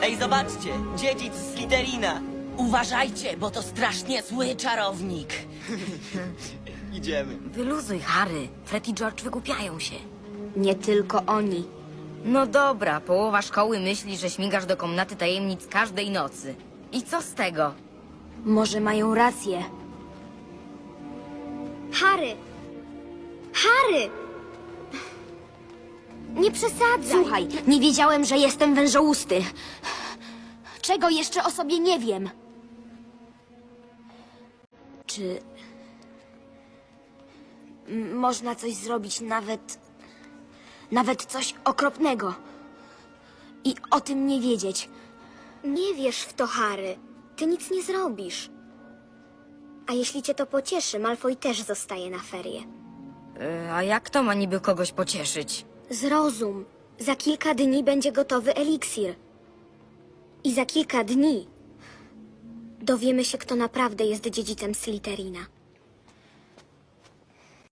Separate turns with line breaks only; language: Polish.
Ej, zobaczcie! Dziedzic Slytherina!
Uważajcie, bo to strasznie zły czarownik.
Idziemy.
Wyluzuj, Harry. Fred i George wygłupiają się.
Nie tylko oni.
No dobra, połowa szkoły myśli, że śmigasz do komnaty tajemnic każdej nocy. I co z tego?
Może mają rację. Harry! Harry! Nie przesadzaj. Słuchaj, nie wiedziałem, że jestem wężousty. Czego jeszcze o sobie nie wiem? Czy... można coś zrobić nawet coś okropnego. I o tym nie wiedzieć. Nie wierz w to, Harry. Ty nic nie zrobisz. A jeśli cię to pocieszy, Malfoy też zostaje na ferie.
A jak to ma niby kogoś pocieszyć?
Zrozum. Za kilka dni będzie gotowy eliksir. I za kilka dni dowiemy się, kto naprawdę jest dziedzicem Slytherina.